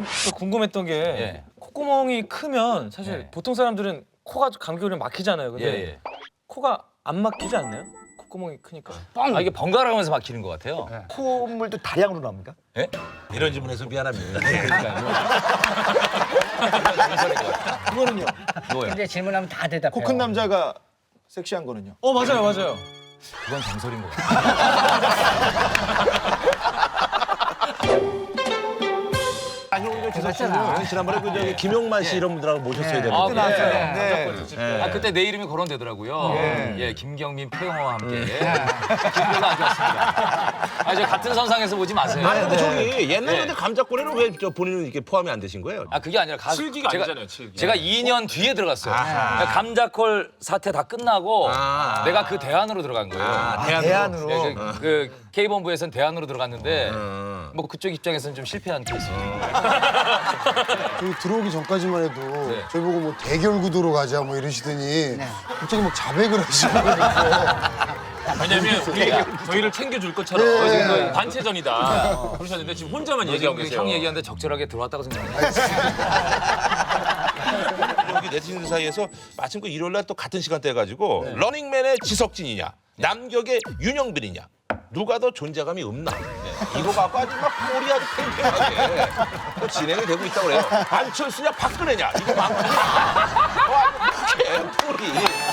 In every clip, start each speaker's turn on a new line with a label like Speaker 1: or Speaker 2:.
Speaker 1: 또 궁금했던 게 콧구멍이 크면 사실 보통 사람들은 코가 감기 걸리면 막히잖아요. 근데 코가 안 막히지 않나요? 콧구멍이 크니까.
Speaker 2: 아, 이게 번갈아 가면서 막히는 것 같아요.
Speaker 3: 콧물도 다량으로 나옵니까?
Speaker 2: 예?
Speaker 4: 이런 질문해서 미안합니다.
Speaker 3: 그거는요.
Speaker 2: 뭐예요?
Speaker 5: 근데 질문하면 다 대답해요.
Speaker 3: 코 큰 남자가 섹시한 거는요.
Speaker 1: 맞아요, 맞아요.
Speaker 2: 그건 정설인 것 같아요.
Speaker 4: 아니 오늘 지석 씨는 지난번에 그 저기 김용만 씨 이런 분들하고 모셨어야 되는데.
Speaker 2: 아,
Speaker 3: 네.
Speaker 2: 아, 그때 내 이름이 거론되더라고요. 예, 김경민, 표영호와 함께. 기분가 안 좋았습니다. 아, 저 같은 선상에서 보지 마세요.
Speaker 4: 아니 근데 저기 옛날에 감자ቆ래는 왜 저 본인은 이렇게 포함이 안 되신 거예요?
Speaker 2: 아, 그게 아니라
Speaker 1: 칠기가 아니잖아요, 칠기.
Speaker 2: 제가 2년 뒤에 들어갔어요.
Speaker 4: 아하.
Speaker 2: 감자콜 사태 다 끝나고
Speaker 4: 아.
Speaker 2: 내가 그 대안으로 들어간 거예요.
Speaker 3: 대안으로.
Speaker 2: 예, 그 K본부에서는 대안으로 들어갔는데 뭐 그쪽 입장에서는 좀 실패한 케이스.
Speaker 6: 저희 들어오기 전까지만 해도 저희 보고 뭐 대결 구도로 가자 뭐 이러시더니 갑자기 막 자백을 하시고
Speaker 7: 왜냐면 저희를 챙겨줄 것처럼 지금 단체전이다 그러셨는데 지금 혼자만 얘기하고 계세요.
Speaker 2: 형 얘기하는데 적절하게 들어왔다고 생각해요.
Speaker 4: 여기 네티즌들 사이에서 마침 그 일요일 날 또 같은 시간대 해가지고 러닝맨의 지석진이냐 남격의 윤영빈이냐 누가 더 존재감이 없나 이거 갖고 아주 막 꼴이 아주 팽팽하게 또 진행이 되고 있다고 그래요. 안철수냐 박근혜냐 이거 많거든요. 꼴이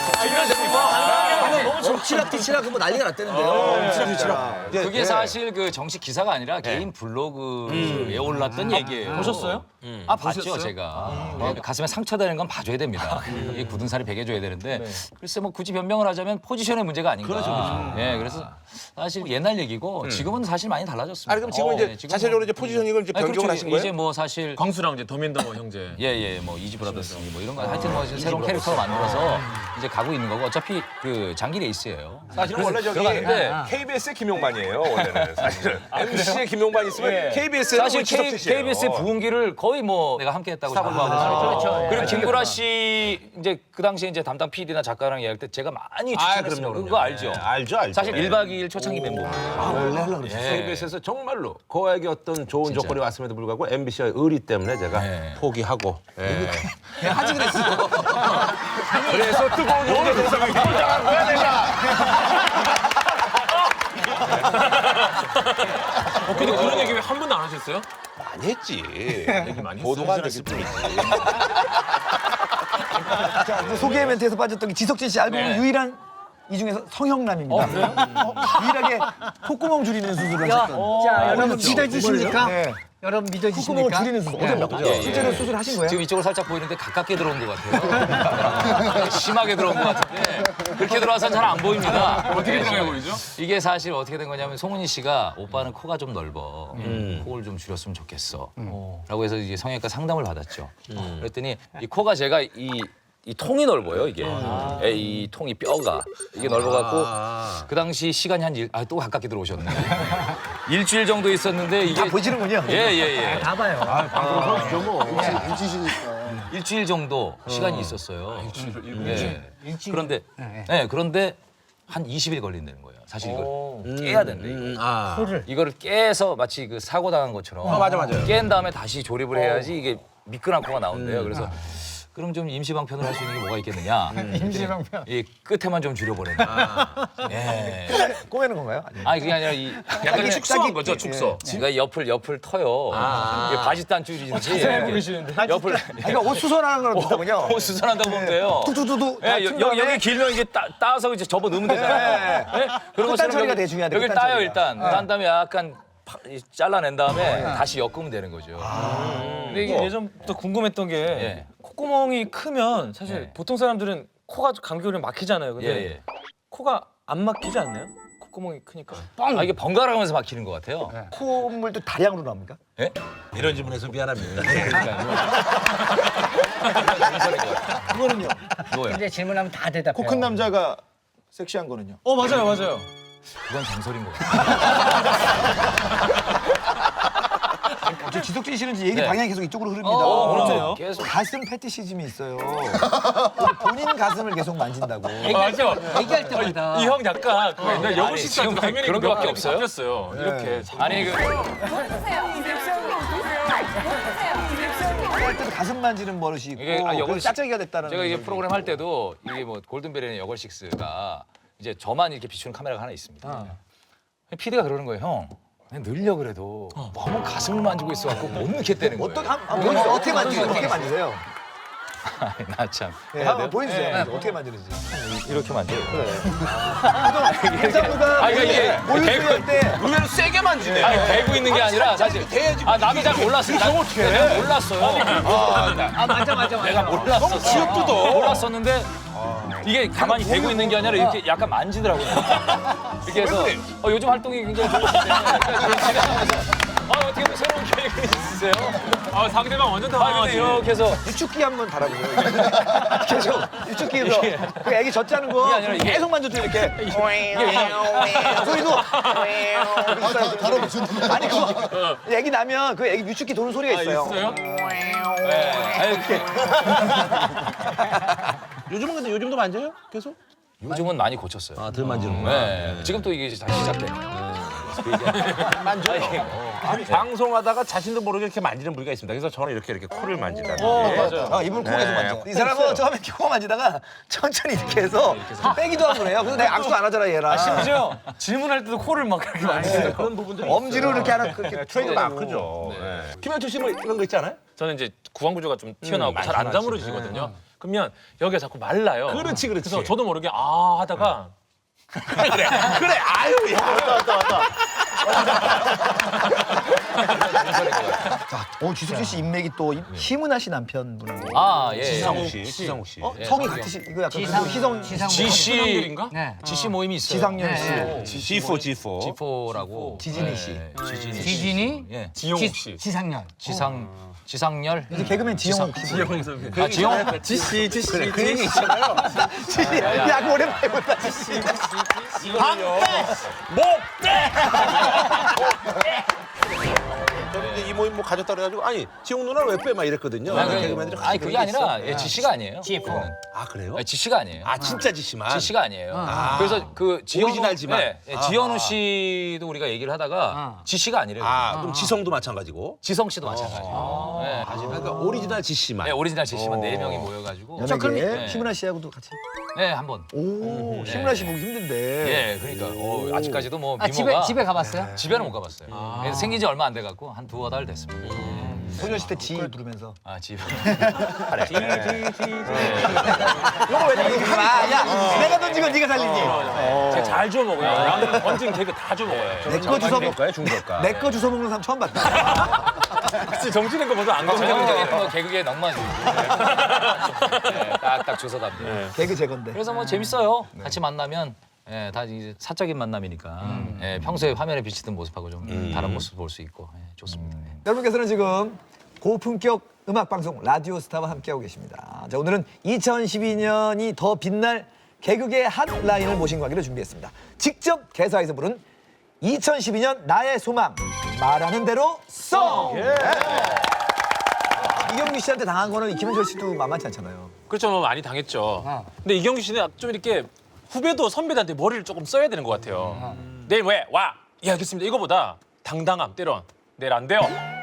Speaker 3: 엎치락뒤치락 뭐 난리가 났다는데요.
Speaker 2: 그게 사실 그 정식 기사가 아니라 개인 블로그에 올랐던 얘기예요.
Speaker 1: 보셨어요?
Speaker 2: 아, 봤죠, 제가. 가슴에 상처되는 건 봐줘야 됩니다. 이 굳은 살이 베겨줘야 되는데 글쎄 뭐 굳이 변명을 하자면 포지션의 문제가 아닌가. 그렇죠. 예, 그래서 사실 옛날 얘기고 지금은 사실 많이 달라졌습니다.
Speaker 4: 아니 그럼 지금 이제
Speaker 2: 지금은
Speaker 4: 자체적으로 이제 포지셔닝을 이제
Speaker 2: 아니,
Speaker 4: 변경을
Speaker 2: 그렇죠.
Speaker 4: 하신 거예요?
Speaker 2: 이제 뭐 사실
Speaker 7: 광수랑 이제 더민더머 형제.
Speaker 2: 예, 뭐 이지 브라더스 뭐 이런 거 하여튼 뭐 새로운 캐릭터를 만들어서 이제 가고 있는 거고 어차피 그 장기 레이스예요.
Speaker 4: 사실은 원래 저기
Speaker 2: 들어갔는데
Speaker 4: KBS의 김용만이에요 원래는 사실은 MC의 김용만 있으면 KBS의
Speaker 2: 사실 KBS의 부흥기를 거의 뭐 내가 함께했다고 생각하고
Speaker 5: 그렇죠.
Speaker 2: 그리고 김구라 씨 이제 그 당시에 이제 담당 PD나 작가랑 이야기할 때 제가 많이 추천했어요. 그거 알죠?
Speaker 4: 알죠.
Speaker 2: 사실 1박 2일 초창기 멤버입니다.
Speaker 4: 원래 하려고 그랬어요. KBS에서 정말로 거액의 어떤 좋은 조건이 왔음에도 불구하고 MBC의 의리 때문에 제가 포기하고
Speaker 3: 하지 그랬어.
Speaker 4: 그래서 뜨거운 용의 대상을 포장한 거야 내가.
Speaker 7: 근데 그런 얘기 왜 한 번도 안 하셨어요?
Speaker 4: 많이 했지.
Speaker 7: 많이 했어요.
Speaker 4: 보도가 안 됐을 뿐이지.
Speaker 3: 자, 그 소개 멘트에서 빠졌던 게 지석진 씨 알고 보면 유일한 이 중에서 성형남입니다. 유일하게 콧구멍 줄이는 수술을 하셨던.
Speaker 5: 자, 여러분 믿어지십니까?
Speaker 3: 네.
Speaker 5: 여러분
Speaker 3: 콧구멍을
Speaker 5: 믿어지십니까?
Speaker 3: 줄이는 수술. 실제로 수술하신 거예요?
Speaker 2: 지금 이쪽으로 살짝 보이는데 가깝게 들어온 것 같아요. 심하게 들어온 것 같은데 그렇게 들어와서는 잘 안 보입니다.
Speaker 7: 어떻게 들어가 보이죠?
Speaker 2: 이게 사실 어떻게 된 거냐면 송은이 씨가 오빠는 코가 좀 넓어. 코를 좀 줄였으면 좋겠어. 라고 해서 이제 성형외과 상담을 받았죠. 그랬더니 이 코가 제가 이 통이 넓어요, 이게. 이 통이 뼈가. 이게 넓어갖고 그 당시 시간이 또 가깝게 들어오셨네. 일주일 정도 있었는데 이게.
Speaker 3: 다 보시는군요.
Speaker 2: 예.
Speaker 5: 다 봐요.
Speaker 6: 일지시니까
Speaker 2: 일주일 정도 시간이 있었어요. 그런데 그런데 한 20일 걸린다는 거예요. 사실 이걸 깨야 된대. 이거를 깨서 마치 그 사고 당한 것처럼
Speaker 4: 맞아요.
Speaker 2: 깬 다음에 다시 조립을 해야지 이게 미끈한 코가 나온대요. 그래서 그럼 좀 임시방편을 할 수 있는 게 뭐가 있겠느냐.
Speaker 5: 임시방편.
Speaker 2: 이 끝에만 좀 줄여버리는. 예.
Speaker 3: 꼬매는 건가요?
Speaker 2: 아니 그게 아니라 이
Speaker 7: 약간 축소한 거죠, 축소.
Speaker 2: 그러니까 옆을 터요. 이게 바지 단줄이든지 옆을
Speaker 3: 그러니까 옷 수선하는 거랑 비슷하군요.
Speaker 2: 옷 수선한다고 보면 돼요.
Speaker 3: 뚜뚜뚜뚜.
Speaker 2: 예, 여기 길면 이게 따서 이제 접어 넣으면 되잖아요. 예? 그런
Speaker 3: 끝단
Speaker 2: 것처럼
Speaker 3: 처리가
Speaker 2: 여기-
Speaker 3: 되게 중요하대,
Speaker 2: 여기
Speaker 3: 끝단
Speaker 2: 따요
Speaker 3: 처리가.
Speaker 2: 일단. 딴 다음에 약간 잘라낸 다음에 다시 엮으면 되는 거죠.
Speaker 1: 근데 이게 예전부터 궁금했던 게 콧구멍이 크면 사실 보통 사람들은 코가 감기 걸리면 막히잖아요. 근데 코가 안 막히지 않나요? 콧구멍이 크니까.
Speaker 2: 아, 이게 번갈아 가면서 막히는 것 같아요.
Speaker 3: 콧물도 다량으로 나옵니까?
Speaker 2: 예?
Speaker 4: 이런 질문해서 미안합니다.
Speaker 3: 그거는요.
Speaker 2: 뭐예요?
Speaker 5: 근데 질문하면 다 대답해요.
Speaker 3: 코 큰 남자가 섹시한 거는요.
Speaker 1: 맞아요.
Speaker 2: 그건 정설인 것 같아요.
Speaker 3: 지석진 씨는 이제 얘기
Speaker 2: 네.
Speaker 3: 방향이 계속 이쪽으로 흐릅니다.
Speaker 2: 그렇죠. 계속.
Speaker 3: 가슴 패티시즘이 있어요. 본인 가슴을 계속 만진다고.
Speaker 7: 맞아.
Speaker 5: 얘기할 때마다
Speaker 7: 이 형 약간 그 옛날 여고 시절
Speaker 2: 지금
Speaker 7: 당연히
Speaker 2: 그런 거밖에
Speaker 7: 몇
Speaker 2: 없어요?
Speaker 7: 바뀌었어요. 이렇게.
Speaker 2: 아니 그
Speaker 8: 보세요.
Speaker 3: 학생할 때도 가슴 만지는 버릇이 있고
Speaker 2: 이게, 아,
Speaker 3: 그래서 짝짝이가 됐다는
Speaker 2: 제가 이게
Speaker 3: 거지.
Speaker 2: 프로그램 할 때도 이게 뭐 골든벨이나 여걸식스가 이제 저만 이렇게 비추는 카메라가 하나 있습니다. PD가 그러는 거예요, 형. 그냥 늘려 그래도 너무 가슴을 만지고 있어갖고 못 넣겠다는 거예요.
Speaker 3: 어떻게 만지세요? 어떻게 만지세요?
Speaker 2: 나 참.
Speaker 3: 네, 한번 보여주세요. 어떻게 만지는지.
Speaker 2: 이렇게 만져요.
Speaker 3: 김상무가
Speaker 2: 그러니까 이게
Speaker 3: 모유수유 할 때
Speaker 4: 의외로 세게 만지네.
Speaker 2: 아니 대고 있는 게 아니라 사실 아 나도 잘 몰랐어요. 나 어떻게 몰랐어요. 내가 몰랐어. 너무
Speaker 4: 지역도도.
Speaker 2: 몰랐었는데 이게 가만히 대고 있는 게 아니라 이렇게 약간 만지더라고요. 이렇게 해서 요즘 활동이 굉장히 좋으신데 집에 나가서 어떻게 뭐 새로운 계획이 있으세요?
Speaker 7: 상대방 완전
Speaker 2: 아 근데
Speaker 7: 당황하지.
Speaker 2: 이렇게 해서
Speaker 3: 유축기 한번 달아보세요. 계속 유축기에서 그 애기 젖자는 거
Speaker 2: 이게 아니라 이게-
Speaker 3: 계속 만져줘 이렇게. 소리도
Speaker 6: 다뤄보시는
Speaker 3: 아니 그거 애기 나면 그 애기 유축기 도는 소리가 있어요.
Speaker 7: 있어요?
Speaker 4: 요즘은 근데 요즘도 만져요? 계속?
Speaker 2: 요즘은 많이 고쳤어요.
Speaker 4: 덜 만지는
Speaker 2: 네. 지금 또 이게 다시 시작돼.
Speaker 4: 만져요. 방송하다가 자신도 모르게 이렇게 만지는 부위가 있습니다. 그래서 저는 이렇게 코를 만진다는 게.
Speaker 3: 이분 코 계속
Speaker 4: 네.
Speaker 3: 만져. 이 사람은 처음에 코 만지다가 천천히 이렇게 해서 빼기도 하고 그래요. 그래서 내가 악수 안 하잖아 얘랑.
Speaker 1: 심지어 질문할 때도 코를 막 그렇게 만지세요.
Speaker 4: 그런 부분들이
Speaker 3: 엄지로 이렇게 하나 그렇게
Speaker 4: 트레이드
Speaker 3: 풀어주고.
Speaker 4: 마크죠. 네. 김현철 씨 뭐 이런 거 있지 않아요?
Speaker 7: 저는 이제 구강 구조가 좀 튀어나오고
Speaker 4: 많이
Speaker 7: 잘 안
Speaker 4: 튀어나오지.
Speaker 7: 다물어지거든요. 그러면 여기가 자꾸 말라요.
Speaker 4: 그렇지, 그렇지.
Speaker 7: 그래서 저도 모르게 아 하다가
Speaker 4: 그래, 아유, 야.
Speaker 3: 지석진 씨 인맥이 또 희문아 씨 남편분하고
Speaker 2: 예.
Speaker 4: 지상욱 씨.
Speaker 3: 성이 같으시 이거 약간 그 희성
Speaker 2: 지씨
Speaker 7: 지인가?
Speaker 5: 네.
Speaker 2: 지씨 모임이 있어요.
Speaker 3: 지상렬 씨,
Speaker 4: G4.
Speaker 2: 지포라고.
Speaker 3: 지진이 씨.
Speaker 2: 지진이 씨.
Speaker 5: 지진이
Speaker 2: 예.
Speaker 7: 지용욱 씨.
Speaker 5: 지상렬.
Speaker 2: 지상렬.
Speaker 3: 이제 개그맨 지영욱 씨.
Speaker 2: 아 지용.
Speaker 1: 지씨
Speaker 3: 그 얘기 있잖아요. 지씨. 야, 그 오랜만에 본다. 지씨.
Speaker 4: 저는 이제 이 모임 뭐 가졌다 그래가지고 아니 지용 누나는 왜 빼? 막 이랬거든요. 개그맨들이
Speaker 2: 아니 그게 아니라 지씨가 아니에요.
Speaker 5: GF4.
Speaker 4: 아 그래요?
Speaker 2: 지씨가 아니에요.
Speaker 4: 아 진짜 지씨만.
Speaker 2: 지씨가 아니에요. 그래서 그
Speaker 4: 오리지널지만.
Speaker 2: 지현우 씨도 우리가 얘기를 하다가 지씨가 아니래요.
Speaker 4: 그럼 지성도 마찬가지고.
Speaker 2: 지성 씨도 마찬가지예요. 네,
Speaker 4: 그러니까 오리지널 지씨만.
Speaker 2: 네, 오리지널 지씨만 4명이 모여가지고
Speaker 3: 연예계 희문아 씨하고도 같이.
Speaker 2: 네, 한 번.
Speaker 3: 오, 희문아 씨 보기 힘든데.
Speaker 2: 예, 그러니까 아직까지도 뭐
Speaker 5: 아,
Speaker 2: 미모가
Speaker 5: 집에 가봤어요?
Speaker 2: 집에는 못 가봤어요. 그래서 생긴 지 얼마 안 돼갖고 한 2-3달 됐습니다.
Speaker 3: 소녀시대 지 부르면서.
Speaker 2: 아, 집.
Speaker 3: 요거 왜 던지지 마. 야, 내가 던진 건 네가 살리지.
Speaker 7: 제가 잘 주워 먹어요. 양 던진 개그 다 주워 먹어요.
Speaker 3: 내 거 주워 먹.
Speaker 4: 중저가.
Speaker 3: 내 거 주워 먹는 사람 처음 봤다.
Speaker 7: 혹시 정신인 거 보다 안
Speaker 2: 전형적인
Speaker 7: 가죠?
Speaker 2: 뭐 개그의 넉마주의. 네, 딱딱 주워답니다.
Speaker 3: 개그 제 건데.
Speaker 2: 그래서 뭐 재밌어요. 같이 만나면 다 이제 사적인 만남이니까 평소에 화면에 비치던 모습하고 좀 다른 모습 볼 수 있고 좋습니다.
Speaker 3: 여러분께서는 지금 고품격 음악 방송 라디오 스타와 함께하고 계십니다. 자, 오늘은 2012년이 더 빛날 개그계 핫라인을 모신 관계로 준비했습니다. 직접 개사해서 부른 2012년 나의 소망 말하는 대로 송. 이경규 씨한테 당한 거는 김현철 씨도 만만치 않잖아요.
Speaker 7: 그렇죠, 뭐 많이 당했죠. 근데 이경규 씨는 좀 이렇게 후배도 선배들한테 머리를 조금 써야 되는 것 같아요. 내일 왜? 와! 예, 알겠습니다. 이거보다 당당함, 때론 내일 안 돼요.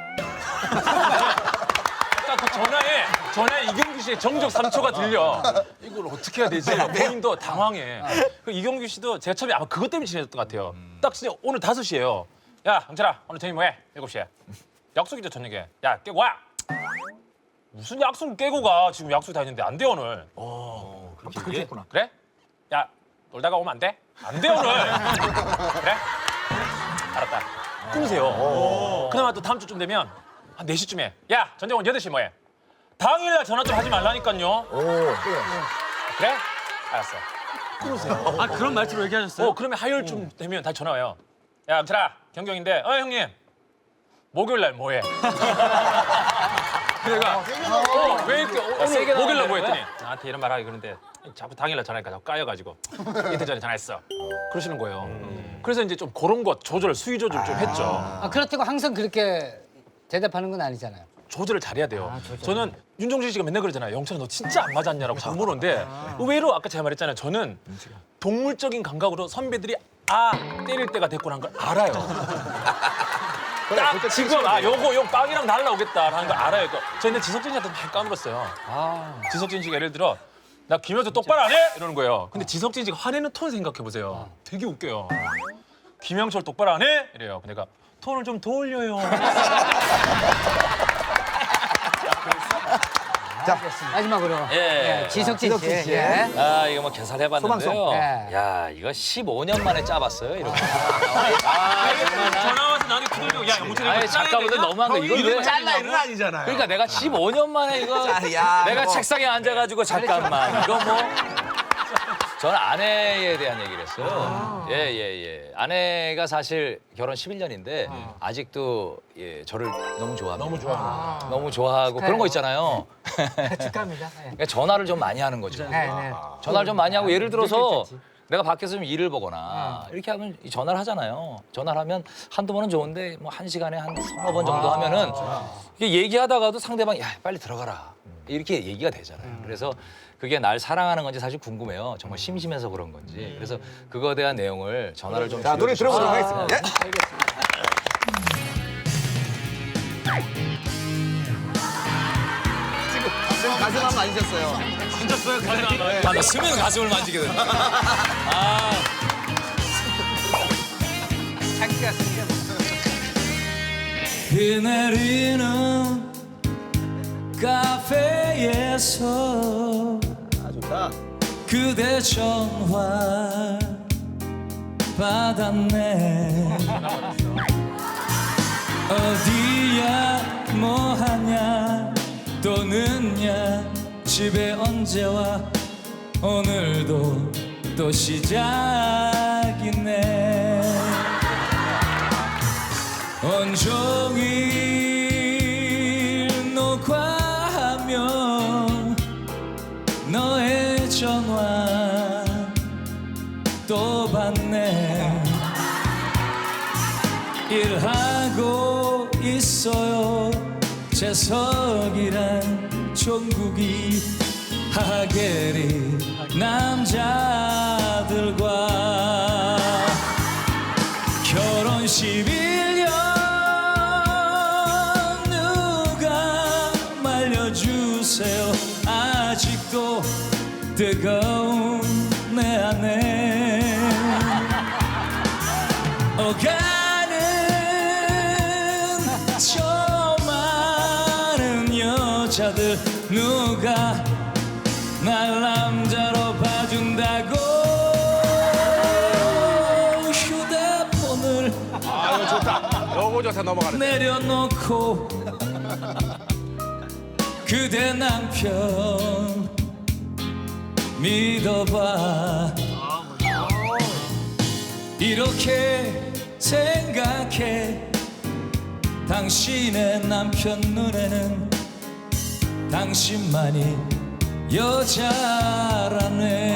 Speaker 7: 딱 그 전화에 이경규 씨의 정적 3초가 들려. 이걸 어떻게 해야 되지? 본인도 당황해. 그 이경규 씨도 제가 처음에 아마 그것 때문에 친해졌던 것 같아요. 딱 진짜 오늘 5시예요. 야, 강철아, 오늘 저녁 뭐해? 7시에. 약속이죠, 저녁에. 야, 깨고 와! 무슨 약속을 깨고 가? 지금 약속 다 했는데 안 돼, 오늘.
Speaker 3: 그렇게 했구나.
Speaker 7: 그래? 야, 놀다가 오면 안 돼? 안 돼, 오늘. 그래? 알았다. 끊으세요. 그나마 또 다음 주쯤 되면 한 4시쯤에 야, 전정원 8시 뭐해? 당일날 전화 좀 하지 말라니까요. 그래? 알았어.
Speaker 1: 아 그런 말투로 얘기하셨어요?
Speaker 7: 그러면 화요일쯤 되면 다시 전화 와요. 야, 강철아, 경경인데, 형님, 목요일날 뭐해? 내가 왜 이렇게 오늘 목요일날 뭐 했더니 나한테 이런 말 하기 그러는데 자꾸 당일날 전화하니까 자꾸 까여가지고 이틀 전에 전화했어. 그러시는 거예요. 그래서 이제 좀 그런 것 조절, 수위 조절 좀 했죠.
Speaker 5: 아, 그렇다고 항상 그렇게 대답하는 건 아니잖아요.
Speaker 7: 조절을 잘해야 돼요. 저는 윤종신 씨가 맨날 그러잖아요. 영철아 너 진짜 안 맞았냐라고 자꾸 물었는데 의외로 아까 제가 말했잖아요. 저는 동물적인 감각으로 선배들이 때릴 때가 됐구나 한 걸 알아요. 딱 지금 요거 빵이랑 날라오겠다라는 걸 알아요. 저 근데 지석진 씨한테 막 까물었어요. 지석진 씨가 예를 들어 나 김현수 똑바로 안 해? 이러는 거예요. 근데 지석진 씨가 화내는 톤 생각해 보세요. 되게 웃겨요. 김영철 똑바로 안 해? 이래요. 내가 톤을 좀 더 올려요.
Speaker 5: 마지막으로
Speaker 2: 예.
Speaker 5: 지석진 씨.
Speaker 3: 지석진 씨.
Speaker 5: 예.
Speaker 2: 아 이거 뭐 계산해봤는데요.
Speaker 3: 소방서.
Speaker 5: 예.
Speaker 2: 야 이거 15년 만에 짜봤어요 이렇게.
Speaker 7: 전화 와서 나한테 두들겨. 야 영철이
Speaker 2: 아니 잠깐만 너무한 거 이거 왜?
Speaker 4: 잘라 이는 아니잖아요.
Speaker 2: 그러니까 내가 15년 만에 이거
Speaker 3: 야,
Speaker 2: 내가
Speaker 3: 뭐.
Speaker 2: 책상에 앉아가지고 잠깐만 이거 뭐 저는 아내에 대한 얘기를 했어요. 예예예. 아내가 사실 결혼 11년인데 아직도 예, 저를 너무 좋아합니다. 너무 좋아하고 그런 거 있잖아요.
Speaker 5: 축하합니다. 예.
Speaker 2: 그러니까 전화를 좀 많이 하는 거죠.
Speaker 5: 네, 네.
Speaker 2: 전화를 좀 많이 하고 예를 들어서
Speaker 5: 괜찮지.
Speaker 2: 내가 밖에서 좀 일을 보거나 이렇게 하면 이 전화를 하잖아요. 전화를 하면 한두 번은 좋은데 뭐 한 시간에 한 서너 번 정도 하면은 이게 얘기하다가도 상대방이 야 빨리 들어가라 이렇게 얘기가 되잖아요. 그래서 그게 날 사랑하는 건지 사실 궁금해요. 정말 심심해서 그런 건지. 그래서 그거에 대한 내용을 전화를 좀
Speaker 3: 자, 노래 들어보도록
Speaker 2: 줄여주셔서.
Speaker 3: 하겠습니다. 예. 지금 가슴 한번 만지셨어요.
Speaker 2: 아, 나 스면 가슴을 만지게 된다.
Speaker 5: 자기가 쓰는
Speaker 8: 비 내리는 카페에서
Speaker 3: 좋다.
Speaker 8: 그대 전화 받았네. 어디야 뭐하냐 또는야 집에 언제 와 오늘도 또 시작이네. 온종일 녹화하며 너의 전화 또 받네. 일하고 있어요. 재석이란 종국이 하계리 남자들과 결혼 11년 누가 말려주세요. 아직도 뜨거운 내 안에 오가는 저 많은 여자들 누가 날 남자로 봐준다고 휴대폰을
Speaker 4: 이거 좋다. 요거 좋다 넘어가는.
Speaker 8: 내려놓고 그대 남편 믿어봐. 이렇게 생각해. 당신의 남편 눈에는 당신만이 여자라네.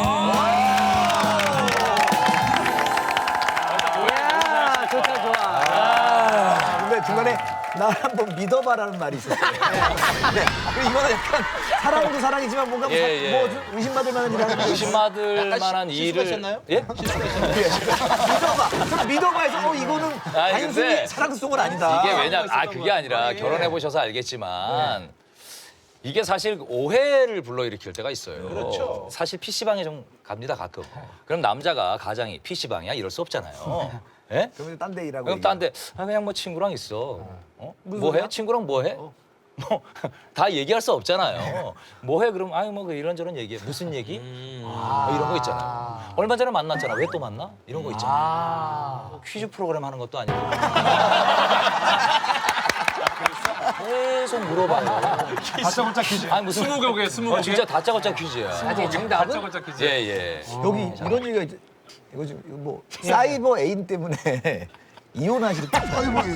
Speaker 5: 이야, 좋다, 좋아.
Speaker 3: 근데 중간에 나 한번 믿어봐라는 말이 있었어요. 네. 그리고 이거는 약간 사랑도 사랑이지만 뭔가 뭐,
Speaker 2: 예, 예.
Speaker 3: 뭐 의심받을 만한 일을 하는 거예요.
Speaker 2: 의심받을 만한 일을
Speaker 4: 실수하셨나요?
Speaker 2: 예?
Speaker 3: 믿어봐. 그럼 믿어봐에서 이거는
Speaker 2: 아니,
Speaker 3: 단순히
Speaker 2: 근데
Speaker 3: 사랑송은 아니다.
Speaker 2: 이게 왜냐 그게 아니라 결혼해 보셔서 알겠지만 이게 사실 오해를 불러일으킬 때가 있어요.
Speaker 4: 그렇죠.
Speaker 2: 사실 PC방에 좀 갑니다 가끔. 그럼 남자가 가장이 PC방이야 이럴 수 없잖아요. 예?
Speaker 3: 그러면 딴 데 일하고.
Speaker 2: 그럼 딴 데 그냥 뭐 친구랑 있어. 뭐 해? 친구랑 뭐 해? 뭐 다 얘기할 수 없잖아요. 뭐 해? 그럼 아유 뭐 이런저런 얘기해. 무슨 얘기? 뭐 이런 거 있잖아요. 얼마 전에 만났잖아. 왜 또 만나? 이런 거 있잖아. 뭐 퀴즈 프로그램 하는 것도 아니고. 계속 물어봐요.
Speaker 1: 다짜고짜 퀴즈.
Speaker 2: 아니 무슨
Speaker 7: 스무고개 스무고개.
Speaker 2: 진짜 다짜고짜 퀴즈야.
Speaker 5: 아직 정답은?
Speaker 7: 다짜고짜 퀴즈.
Speaker 2: 예예.
Speaker 3: 여기 이런 얘기가 이거 지금 이거 뭐 사이버 애인 때문에 이혼하실 때 사이버 애인.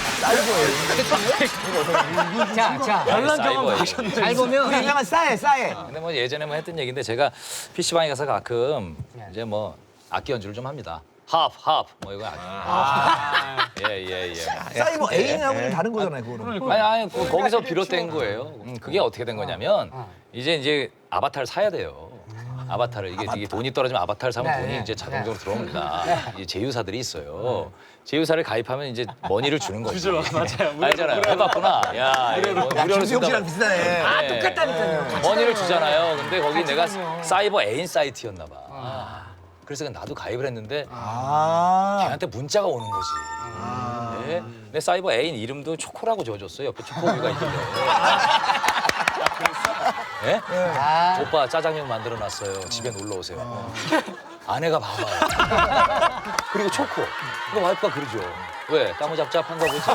Speaker 5: 자,
Speaker 2: 연락 경험
Speaker 5: 잘 보면
Speaker 3: 유명한 싸해.
Speaker 2: 근데 뭐 예전에 뭐 했던 얘기인데 제가 PC방에 가서 가끔 이제 뭐 악기 연주를 좀 합니다. 합 뭐 이거 악기. 예예예.
Speaker 3: 사이버 애인하고는 다른 거잖아요, 그거는.
Speaker 2: 아니 거기서 비롯된 거예요. 그게 어떻게 된 거냐면 이제 아바타를 사야 돼요. 아바타를 이게 돈이 떨어지면 아바타를 사면
Speaker 5: 네,
Speaker 2: 돈이
Speaker 5: 네.
Speaker 2: 이제 자동적으로 들어옵니다. 이제 제휴사들이 있어요. 제휴사를 가입하면 이제 머니를 주는 거지.
Speaker 7: 주죠, 맞아요.
Speaker 2: 알잖아요. 해봤구나. 야, 무료로
Speaker 3: 김수영
Speaker 2: 준다.
Speaker 3: 씨랑 비슷하네.
Speaker 2: 아, 똑같다니까요. 머니를 주잖아요. 근데 거기 내가 사이버 애인 사이트였나 봐. 그래서 나도 가입을 했는데 걔한테 문자가 오는 거지. 네. 내 사이버 애인 이름도 초코라고 지어줬어요. 옆에 초코우유가 있는데. 네? 오빠 짜장면 만들어놨어요. 집에 놀러 오세요. 아내가 봐봐요. 그리고 초코. 그거 와이프가 그러죠. 왜? 까무잡잡한가 보지?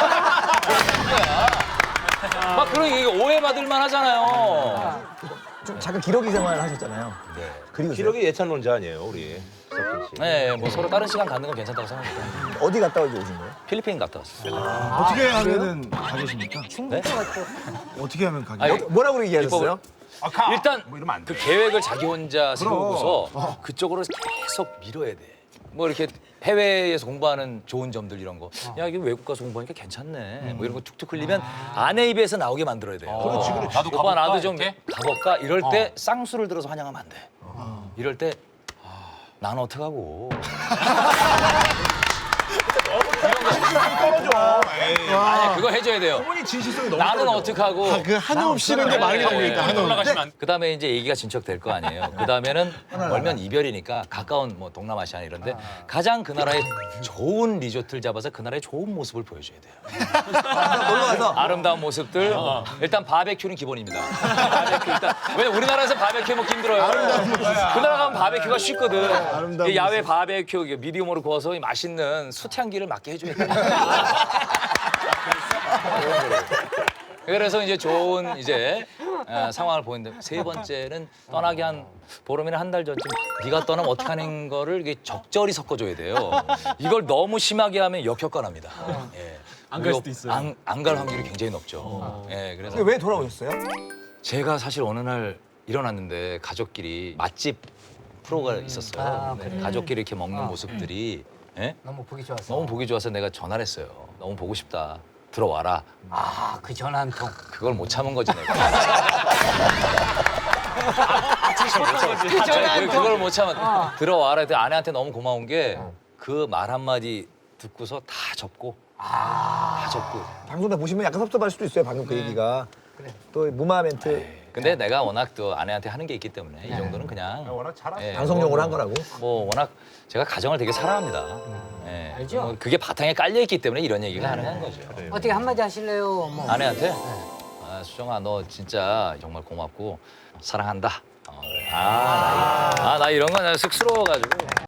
Speaker 2: 막 그런 게 오해받을 만하잖아요.
Speaker 3: 좀 잠깐 기러기 생활 하셨잖아요.
Speaker 2: 네.
Speaker 3: 그리고
Speaker 4: 기록이 예찬론자 아니에요, 우리 석진 씨.
Speaker 2: 네, 뭐 서로 다른 시간 갖는 건 괜찮다고 생각합니다.
Speaker 3: 어디 갔다 오신 거예요?
Speaker 2: 필리핀 갔다 왔어요.
Speaker 9: 어떻게 하면은 가겠습니까?
Speaker 2: 네?
Speaker 9: 어떻게 하면 가게?
Speaker 2: 아니,
Speaker 3: 뭐라고 얘기하셨어요?
Speaker 2: 일단
Speaker 4: 뭐 이러면 안 돼.
Speaker 2: 그 계획을 자기 혼자 세우고서 그쪽으로 계속 밀어야 돼. 뭐 이렇게 해외에서 공부하는 좋은 점들 이런 거. 야, 이게 외국 가서 공부하니까 괜찮네. 뭐 이런 거 툭툭 흘리면 아내 입에서 나오게 만들어야 돼요.
Speaker 4: 그렇지, 그렇지.
Speaker 7: 나도
Speaker 2: 오빠
Speaker 7: 가볼까,
Speaker 2: 나도 좀
Speaker 7: 이렇게?
Speaker 2: 가볼까? 이럴 때 쌍수를 들어서 환영하면 안 돼. 이럴 때 나는 어떡하고. 아니 그거 해줘야 돼요.
Speaker 3: 어머니 진실성이 너무
Speaker 2: 나는 어떡하고.
Speaker 6: 그 한호흡 씨는 게 많이 나오고 있다. 한호흡.
Speaker 7: 올라가시면 안 돼.
Speaker 2: 그다음에 이제 얘기가 진척될 거 아니에요. 그다음에는 멀면 이별이니까 가까운 뭐 동남아시아 이런데 가장 그 나라의 좋은 리조트를 잡아서 그 나라의 좋은 모습을 보여줘야 돼요.
Speaker 3: 놀러 가서
Speaker 2: 아름다운 모습들. 일단 바베큐는 기본입니다. 바베큐 일단 왜 우리나라에서 바베큐 먹기 힘들어요. 그 나라 가면 바베큐가 쉽거든. 이 야외 바베큐 이게 미디움으로 구워서 이 맛있는 숯향기를 맡게 해줘야 돼. 그래서 이제 좋은 이제 상황을 보이는데 세 번째는 떠나기 한 보름이나 한 달 전쯤 네가 떠나면 어떡하는 거를 이게 적절히 섞어줘야 돼요. 이걸 너무 심하게 하면 역효과납니다. 예.
Speaker 7: 안 갈 수도 있어요.
Speaker 2: 안 갈 확률이 굉장히 높죠. 예, 그래서
Speaker 3: 왜 돌아오셨어요?
Speaker 2: 제가 사실 어느 날 일어났는데 가족끼리 맛집 프로가 있었어요. 네, 가족끼리 이렇게 먹는 모습들이 예?
Speaker 5: 너무 보기 좋았어.
Speaker 2: 너무 보기 좋아서 내가 전화를 했어요. 너무 보고 싶다. 들어와라.
Speaker 5: 아, 그 전화 한 통.
Speaker 2: 그걸 못 참은 거지 내가.
Speaker 5: 그 전화 한 통.
Speaker 2: 그걸 못 참아. 들어와라 했더니 아내한테 너무 고마운 게 그 말 한마디 듣고서 다 접고 다 접고.
Speaker 3: 방송에 보시면 약간 섭섭할 수도 있어요. 방금 그 얘기가. 또 무마 멘트
Speaker 2: 근데 내가 워낙 또 아내한테 하는 게 있기 때문에 이 정도는 그냥
Speaker 4: 워낙 잘하시.
Speaker 2: 예,
Speaker 3: 방송용으로 한 거라고.
Speaker 2: 뭐 워낙 제가 가정을 되게 사랑합니다. 예,
Speaker 5: 알죠?
Speaker 2: 뭐 그게 바탕에 깔려 있기 때문에 이런 얘기가 가능한 거죠.
Speaker 5: 어떻게 한마디 하실래요? 뭐.
Speaker 2: 아내한테 아, 수정아 너 진짜 정말 고맙고 사랑한다. 나 이런 거 나 쑥스러워가지고